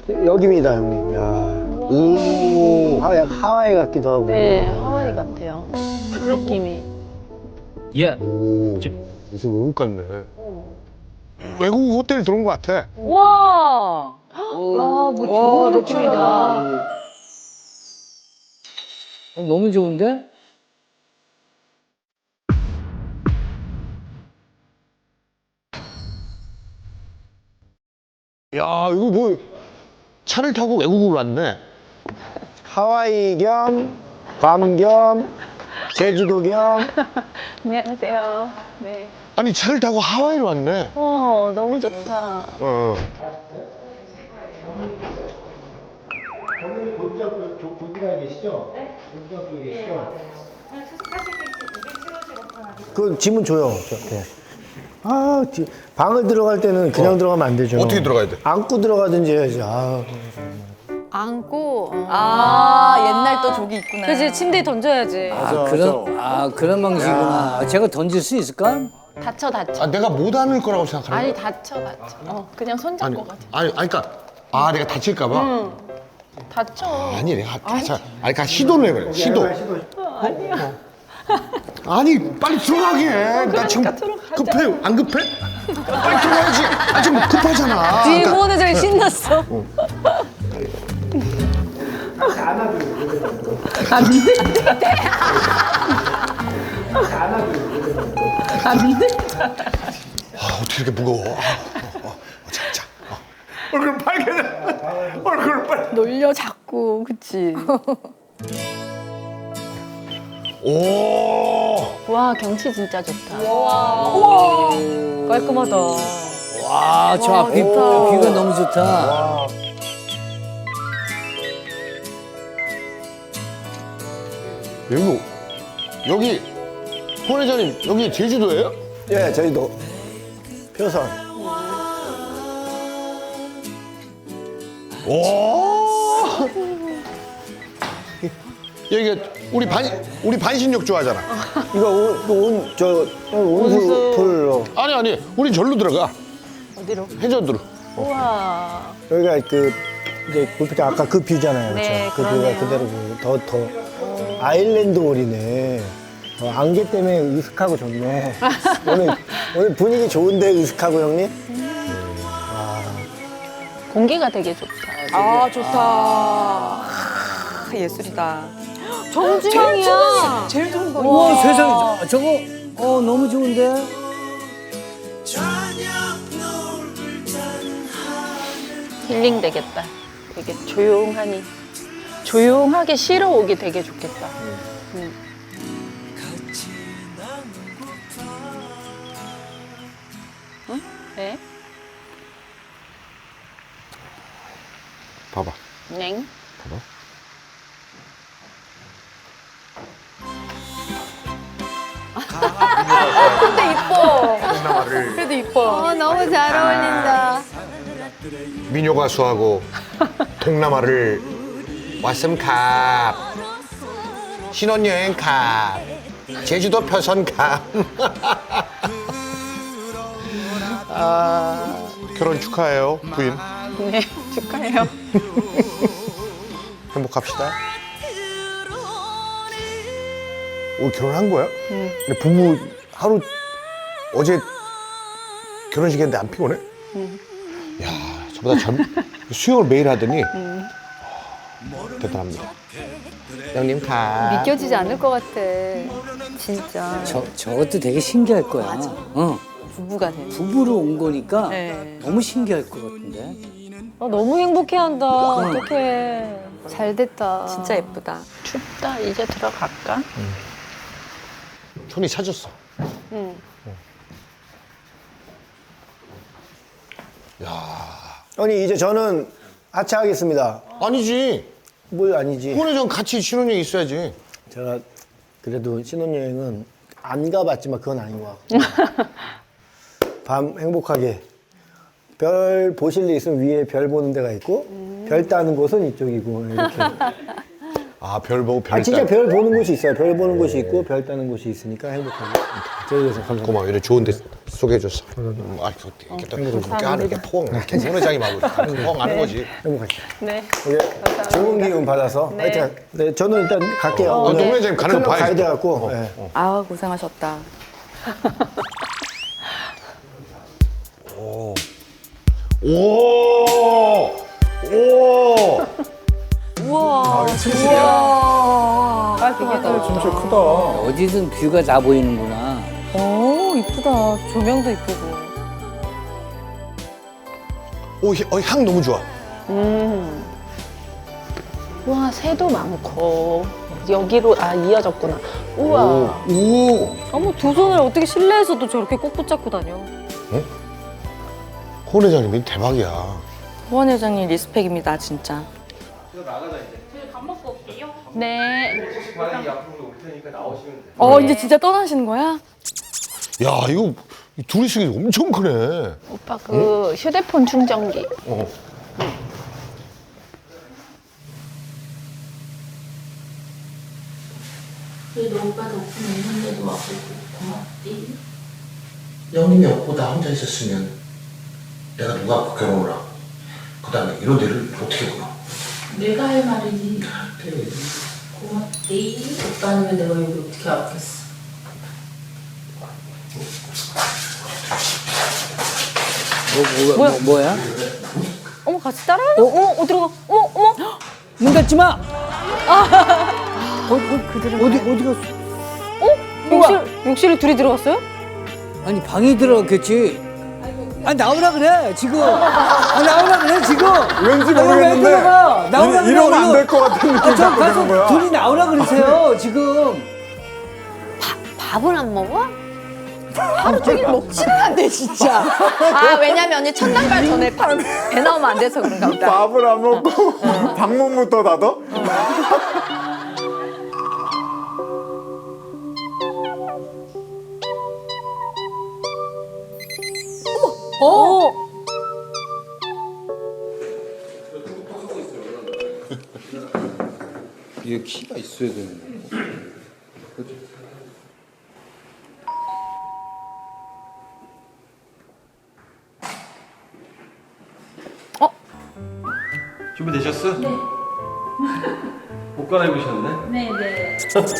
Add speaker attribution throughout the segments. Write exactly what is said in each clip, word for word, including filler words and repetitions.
Speaker 1: 여기입니다, 형님. 야. 오. 하와이, 하와이 같기도 하고.
Speaker 2: 네, 하와이 같아요. 느낌이.
Speaker 3: 예.
Speaker 1: 오. 무슨 외국 같네. 외국 호텔 들어온 것 같아.
Speaker 2: 와! 와, 뭐 좋은 느낌이다.
Speaker 3: 너무 좋은데?
Speaker 1: 야, 이거 뭐 차를 타고 외국으로 왔네. 하와이 겸, 괌 겸, 제주도 겸.
Speaker 2: 안녕하세요. 네.
Speaker 1: 아니, 차를 타고 하와이로 왔네.
Speaker 2: 어, 너무 좋다.
Speaker 1: 어. 그 지문 줘요. 저한테. 아, 지- 방을 들어갈 때는 그냥 들어가면 안 되죠.
Speaker 4: 어떻게 들어가야 돼?
Speaker 1: 안고 들어가든지 해야지. 아,
Speaker 5: 안고. 어.
Speaker 6: 아, 옛날 또 저기 있구나.
Speaker 5: 그지 침대에 던져야지.
Speaker 3: 아, 그런, 아, 그런 방식이구나. 제가 던질 수 있을까?
Speaker 2: 다쳐, 다쳐.
Speaker 4: 아, 내가 못 안을 거라고 생각하는
Speaker 2: 아니,
Speaker 4: 거야?
Speaker 2: 다쳐, 다쳐. 어, 그냥 손잡고
Speaker 4: 아니,
Speaker 2: 가자.
Speaker 4: 아니, 아니, 그러니까 아, 내가 다칠까 봐.
Speaker 2: 다쳐.
Speaker 4: 아니, 내가 다쳐. 아니, 그러니까 시도를 해봐요. 시도.
Speaker 2: 아니야.
Speaker 4: 아니, 빨리 들어가게 해. 나 지금 급해. 안 급해? 빨리 들어가야지. 아, 지금 급하잖아.
Speaker 5: 뒤에
Speaker 4: 그러니까
Speaker 5: 후원회장이 신났어.
Speaker 4: 아, 어떻게 이렇게 무거워? 아, 어, 어, 어, 자, 자. 어. 얼굴 빨개져. 얼굴 빨.
Speaker 6: 놀려 자꾸, 그치?
Speaker 4: 오.
Speaker 2: 와, 경치 진짜 좋다.
Speaker 5: 깔끔하다.
Speaker 3: 와, 저 앞이, 뷰가 너무 좋다.
Speaker 4: 여기, 여기, 홍 회장님, 여기 제주도예요?
Speaker 1: 예, 저희도 표선.
Speaker 4: 오. 여기가 우리 반 우리 반신욕 좋아하잖아.
Speaker 1: 이거 온, 온, 저, 온수 풀로.
Speaker 4: 아니 아니, 우리 절로 들어가.
Speaker 2: 어디로?
Speaker 4: 해저드로.
Speaker 2: 우와.
Speaker 1: 여기가 그, 이제 골프장 아까 그 뷰잖아요.
Speaker 2: 네,
Speaker 1: 그쵸? 그 뷰가
Speaker 2: 그러네요.
Speaker 1: 그대로 보이고. 더, 더. 아일랜드 홀이네. 어, 안개 때문에 으슥하고 좋네. 오늘, 오늘 분위기 좋은데, 으슥하고 형님?
Speaker 2: 공기가 되게 좋다.
Speaker 6: 아, 좋다. 아, 예술이다.
Speaker 5: 정주영이야.
Speaker 6: 제일 좋은 거.
Speaker 3: 우와, 세상에. 저거, 어, 너무 좋은데?
Speaker 2: 힐링 되겠다. 되게 조용하니. 조용하게 쉬러 오기 되게 좋겠다. 음. 응? 네?
Speaker 4: 봐봐.
Speaker 2: 넹?
Speaker 4: 봐봐.
Speaker 6: 근데 이뻐. 그래도 이뻐.
Speaker 5: 어, 너무 잘 어울린다.
Speaker 4: 민요 가수하고 동남아를 왔음 갑. 신혼여행 갑. 제주도 표선 갑. 아, 결혼 축하해요, 부인.
Speaker 2: 네, 축하해요.
Speaker 4: 행복합시다. 오, 결혼한 거야? 근데 부부 하루 어제 결혼식했는데 안 피곤해? 야, 저보다 젊 수영을 매일 하더니 대단합니다. 형님 가.
Speaker 5: 믿겨지지 않을 것 같아. 진짜.
Speaker 3: 저, 저것도 되게 신기할 거야. 맞아. 어.
Speaker 6: 부부가 돼.
Speaker 3: 부부로 온 거니까
Speaker 6: 네.
Speaker 3: 너무 신기할 것 같은데?
Speaker 5: 어, 너무 행복해한다. 어떡해. 잘 됐다.
Speaker 6: 진짜 예쁘다.
Speaker 2: 춥다. 이제 들어갈까?
Speaker 4: 손이 차졌어.
Speaker 2: 응.
Speaker 1: 아니, 이제 저는 하차하겠습니다.
Speaker 4: 아니지.
Speaker 1: 뭘 아니지.
Speaker 4: 혼외전 같이 신혼여행 있어야지.
Speaker 1: 제가 그래도 신혼여행은 안 가봤지만 그건 아닌 것 같고. 밤 행복하게. 별 보실 일 있으면 위에 별 보는 데가 있고, 별 따는 곳은 이쪽이고, 이렇게.
Speaker 4: 아, 별 보고 별
Speaker 1: 아, 진짜
Speaker 4: 따-
Speaker 1: 별 보는 곳이 있어요. 별 보는 곳이 있고, 별 따는 곳이 있으니까 행복하게. 저희에서 감사합니다.
Speaker 4: 고마워. 이래 좋은 데 소개해줬어. 음, 아, 이렇게 또 이렇게 하는 게 포옹, 이렇게 소내장이 막 포옹하는 거지.
Speaker 1: 행복하시죠.
Speaker 2: 네.
Speaker 1: 이게 좋은 기운 받아서
Speaker 2: 네.
Speaker 1: 하여튼 네, 저는 일단 갈게요.
Speaker 4: 어,
Speaker 1: 오늘
Speaker 4: 노무현 장님 가는 거
Speaker 1: 클럽
Speaker 4: 봐야지.
Speaker 1: 가야 돼갖고 네.
Speaker 6: 아 고생하셨다.
Speaker 4: 오, 오,
Speaker 6: 우와.
Speaker 5: 우와.
Speaker 6: 깔끔하다.
Speaker 7: 진짜 크다.
Speaker 3: 어디든 뷰가 다 보이는구나.
Speaker 5: 오, 이쁘다. 조명도 이쁘고.
Speaker 4: 오, 어, 향 너무 좋아.
Speaker 2: 음. 와, 새도 많고. 여기로, 아, 이어졌구나. 우와.
Speaker 4: 오,
Speaker 5: 어머, 두 손을 어떻게 실내에서도 저렇게 꼭 붙잡고 다녀.
Speaker 4: 호 회장님이 대박이야.
Speaker 6: 호원 회장님 리스펙입니다 진짜.
Speaker 2: 네.
Speaker 6: 어 이제 진짜 떠나시는 거야?
Speaker 4: 야, 이거 둘이 쓰기 엄청 크네.
Speaker 2: 오빠 그 휴대폰 충전기.
Speaker 4: 어.
Speaker 8: 그래도 오빠 덕분에 있는데도 와고 고맙디. 영님이 없고 나 혼자 있었으면 내가 누가 갖고 결혼을 하고 그 다음에 이런 데를 어떻게 보나. 내가 할 말이지. 그래. 고맙디. 오빠 아니면 내가 여기 어떻게 왔겠어.
Speaker 3: 뭐, 뭐, 뭐, 뭐야?
Speaker 5: 어머, 같이 따라하네? 어, 어머, 어, 들어가. 어머, 어머.
Speaker 3: 문 닫지 마!
Speaker 5: 어, 어, 그들은.
Speaker 3: 어디, 어디 갔어?
Speaker 5: 욕실, 욕실에 둘이 들어갔어요?
Speaker 3: 아니, 방에 들어갔겠지. 아, 나오라 그래, 지금. 아, 나오라 그래, 지금.
Speaker 7: 왠지
Speaker 3: 아, 이거 왜
Speaker 7: 모르겠는데
Speaker 3: 들어가? 나오라
Speaker 7: 이-
Speaker 3: 그래,
Speaker 7: 이러면 안
Speaker 3: 이거.
Speaker 7: 될 것 같은 느낌이
Speaker 3: 아, 저
Speaker 7: 자꾸 드는
Speaker 3: 가서
Speaker 7: 거야.
Speaker 3: 둘이 나오라 그러세요, 지금.
Speaker 5: 밥은 안 먹어?
Speaker 6: 하루 종일 먹지는 않대 진짜. 아 왜냐면 언니 첫날발 전에 밥- 배 나오면 안 돼서 그런가 보다.
Speaker 7: 밥을 안 먹고 방문부터 닫아?
Speaker 5: 어.
Speaker 9: 이게 키가 있어야 되는 거고.
Speaker 10: 준비되셨어? 네. 옷 갈아입으셨네?
Speaker 2: 네, 네.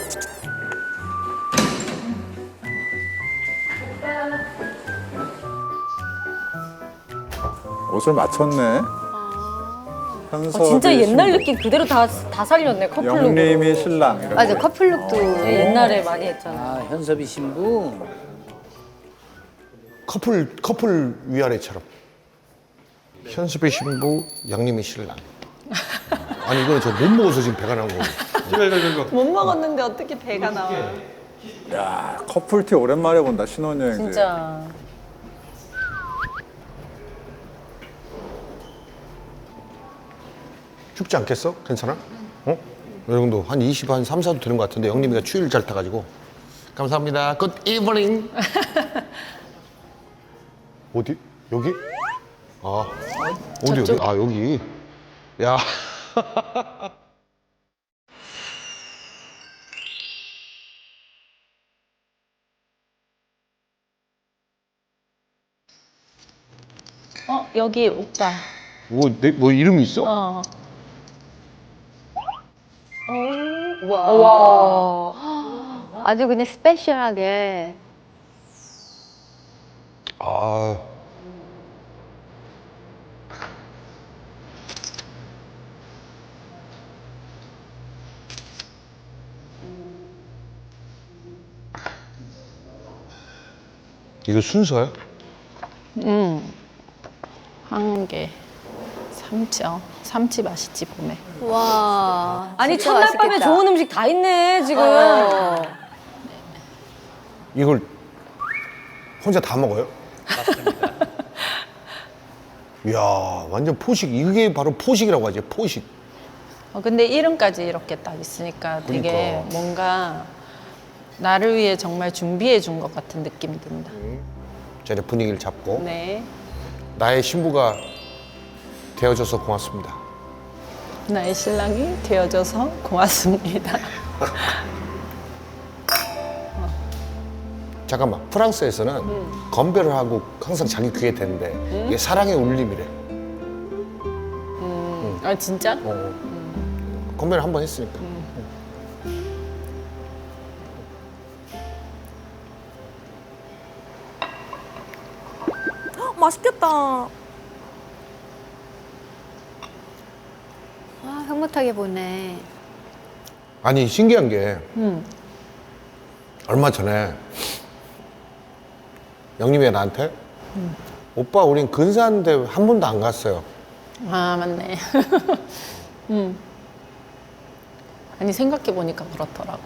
Speaker 7: 옷을 맞췄네. 현섭이
Speaker 5: 아, 진짜 옛날
Speaker 7: 신부,
Speaker 5: 느낌 그대로 다, 다 살렸네, 커플룩.
Speaker 7: 영림이 신랑. 이렇게.
Speaker 5: 맞아, 커플룩도 옛날에 많이 했잖아.
Speaker 3: 아, 현섭이 신부.
Speaker 4: 커플 커플 위아래처럼. 현수배 신부, 양님이 신랑. 아니 이거는 저 못 먹어서 지금 배가 나온 거고.
Speaker 2: 못 먹었는데 어떻게 배가 나와.
Speaker 7: 야, 커플티 오랜만에 본다, 신혼여행지.
Speaker 5: 진짜.
Speaker 4: 춥지 않겠어? 괜찮아? 어? 여러분도 한 이십, 한 삼, 사도 되는 것 같은데 영림이가 추위를 잘 타가지고. 감사합니다. 굿 이브닝. 어디? 여기? 아, 어디 여기? 아 여기. 야.
Speaker 2: 어, 여기 오빠.
Speaker 4: 뭐, 내, 뭐 이름이 있어?
Speaker 2: 어.
Speaker 5: 와. 아주 그냥 스페셜하게.
Speaker 4: 아. 이거 순서야?
Speaker 2: 응. 황게. 삼치, 어. 삼치 맛있지, 봄에.
Speaker 5: 와. 아니,
Speaker 6: 진짜
Speaker 5: 첫날 밤에
Speaker 6: 맛있겠다.
Speaker 5: 좋은 음식 다 있네, 지금.
Speaker 6: 어.
Speaker 4: 이걸 혼자 다 먹어요? 맞습니다. 이야, 완전 포식. 이게 바로 포식이라고 하지, 포식.
Speaker 2: 어, 근데 이름까지 이렇게 딱 있으니까 되게
Speaker 4: 그러니까.
Speaker 2: 뭔가 나를 위해 정말 준비해 준 것 같은 느낌이 든다.
Speaker 4: 자, 이제 분위기를 잡고.
Speaker 2: 네.
Speaker 4: 나의 신부가 되어줘서 고맙습니다.
Speaker 2: 나의 신랑이 되어줘서 고맙습니다.
Speaker 4: 잠깐만 프랑스에서는 건배를 하고 항상 자기 귀에 대는데 이게 사랑의 울림이래.
Speaker 2: 아 진짜?
Speaker 4: 어. 건배를 한 번 했으니까.
Speaker 5: 맛있겠다.
Speaker 6: 아, 흐뭇하게 보네.
Speaker 4: 아니 신기한 게
Speaker 2: 음.
Speaker 4: 얼마 전에 영림이가 나한테 오빠 우린 근사한데 한 번도 안 갔어요.
Speaker 2: 아 맞네. 음. 아니 생각해 보니까 그렇더라고.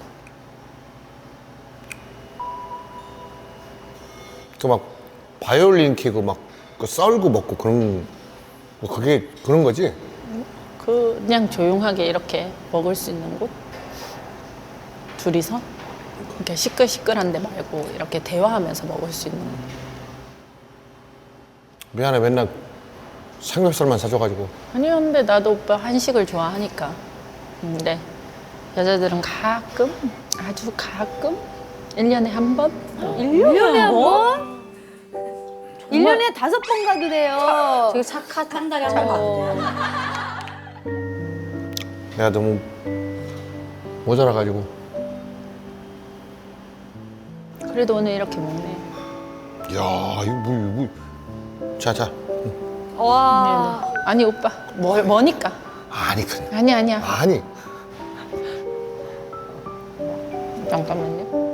Speaker 4: 그 막 바이올린 키고 막 그 썰고 먹고 그런 뭐 그게 그런 거지?
Speaker 2: 그냥 조용하게 이렇게 먹을 수 있는 곳? 둘이서? 이렇게 시끌시끌한데 말고 이렇게 대화하면서 먹을 수 있는 곳.
Speaker 4: 미안해 맨날 삼겹살만 사줘가지고.
Speaker 2: 아니요, 근데 나도 오빠 한식을 좋아하니까. 근데 여자들은 가끔, 아주 가끔, 일 년에 한 번?
Speaker 6: 일 년에 한 번? 일 년에 다섯 번 가도 돼요.
Speaker 5: 되게 착하다. 한 달에 한 번 가도 돼.
Speaker 4: 내가 너무 모자라가지고.
Speaker 2: 그래도 오늘 이렇게 먹네.
Speaker 4: 야 이거 뭐 이거 뭐. 자자.
Speaker 6: 와.
Speaker 2: 네, 네. 아니 오빠, 뭐, 뭐니까?
Speaker 4: 아니 그냥.
Speaker 2: 아니 아니야.
Speaker 4: 아니.
Speaker 2: 잠깐만요.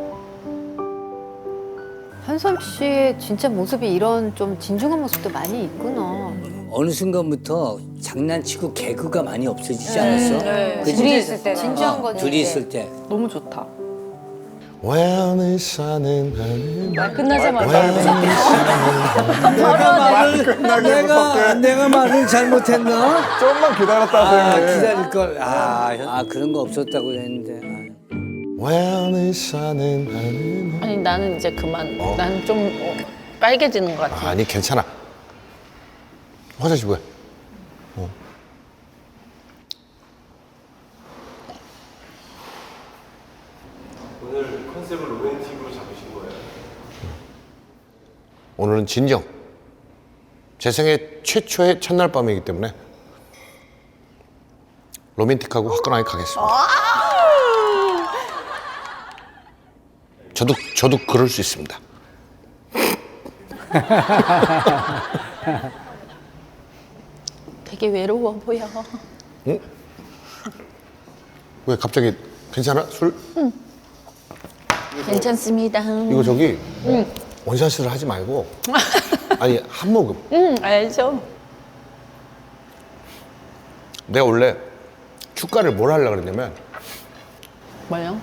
Speaker 6: 현섭 씨의 진짜 모습이 이런 좀 진중한 모습도 많이 있구나.
Speaker 3: 어느 순간부터 장난치고 개그가 많이 없어지지 않았어? 그치?
Speaker 6: 둘이 있을 때. 진지한
Speaker 3: 어,
Speaker 6: 거지.
Speaker 3: 둘이 있을 때.
Speaker 5: 너무 좋다.
Speaker 4: 왜안을 사는 하는
Speaker 5: 말 끝나자마자.
Speaker 3: 내가 말을 내가 내가 말을 잘못했나?
Speaker 7: 좀만 기다렸다
Speaker 3: 아
Speaker 7: 선생님.
Speaker 3: 기다릴 걸. 아, 현- 아 그런 거 없었다고 했는데. 아.
Speaker 4: 왜안을 사는 하는
Speaker 2: 아니 나는 이제 그만. 나는 좀 어, 빨개지는 것 같아.
Speaker 4: 아니 괜찮아. 화장실 왜? 어.
Speaker 10: 오늘 컨셉을 로맨틱으로 잡으신 거예요?
Speaker 4: 오늘은 진정. 제 생애 최초의 첫날 밤이기 때문에 로맨틱하고 화끈하게 가겠습니다. 저도 저도 그럴 수 있습니다.
Speaker 2: 되게 외로워 보여.
Speaker 4: 응? 왜 갑자기 괜찮아? 술?
Speaker 2: 괜찮습니다.
Speaker 4: 이거 저기 원샷을 하지 말고 아니 한 모금.
Speaker 2: 응, 알죠.
Speaker 4: 내가 원래 축가를 뭘 하려고 그랬냐면
Speaker 2: 뭐요?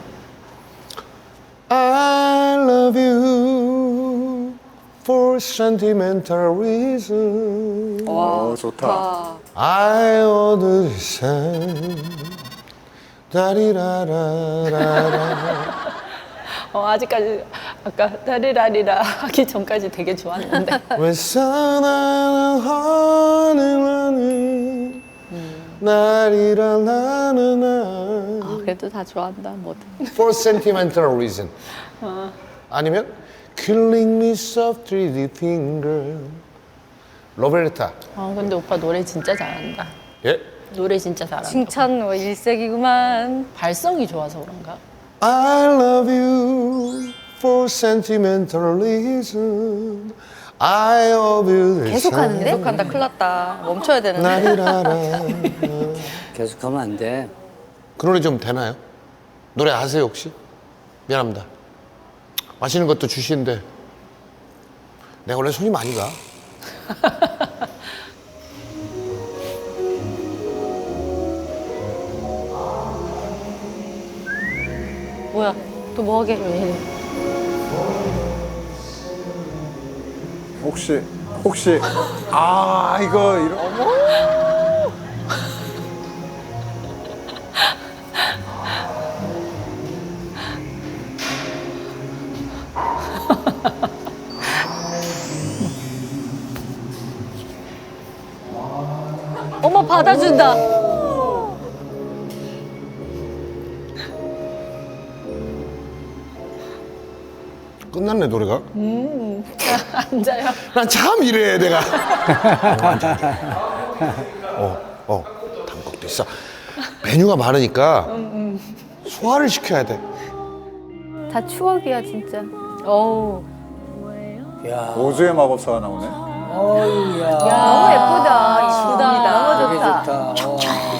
Speaker 4: I love you for sentimental reason.
Speaker 7: 어, 좋다.
Speaker 4: I understand. 다리라라라라.
Speaker 2: 어, 아직까지 아까 다리라리라 하기 전까지 되게 좋았는데.
Speaker 4: 왜 사나는 하늘하는 나리라라라라.
Speaker 6: 아, 그래도 다 좋아한다, 뭐든.
Speaker 4: For sentimental reason. 아니면 Killing me softly, deep finger. 로베르타.
Speaker 2: 아 근데 오빠 노래 진짜 잘한다.
Speaker 4: 예?
Speaker 2: 노래 진짜 잘한다.
Speaker 5: 칭찬 뭐 일색이구만.
Speaker 2: 발성이 좋아서 그런가?
Speaker 4: I love you for sentimental reason. I love you.
Speaker 6: 계속 하는데?
Speaker 5: 계속한다. 큰일 났다. 멈춰야 되는데.
Speaker 4: 나리라라.
Speaker 3: 계속하면 안 돼.
Speaker 4: 그 노래 좀 되나요? 노래 아세요 혹시? 미안합니다. 마시는 것도 주시는데 내가 원래 손이 많이 가.
Speaker 5: 뭐야? 또 뭐 하게?
Speaker 7: 혹시 혹시 아 이거 이런
Speaker 5: 어머 받아준다.
Speaker 4: 끝났네 노래가.
Speaker 2: 앉아요.
Speaker 4: 난 참 이래 내가. 어, 앉아. 어, 어, 단것도 있어. 메뉴가 많으니까 소화를 시켜야 돼.
Speaker 5: 다 추억이야 진짜.
Speaker 6: 어우.
Speaker 3: 야,
Speaker 7: 오즈의 마법사가 나오네.
Speaker 3: 어유 야.
Speaker 5: 너무 예쁘다. 이쁘다. 너무
Speaker 3: 되게
Speaker 5: 좋다.
Speaker 3: 좋다. 와.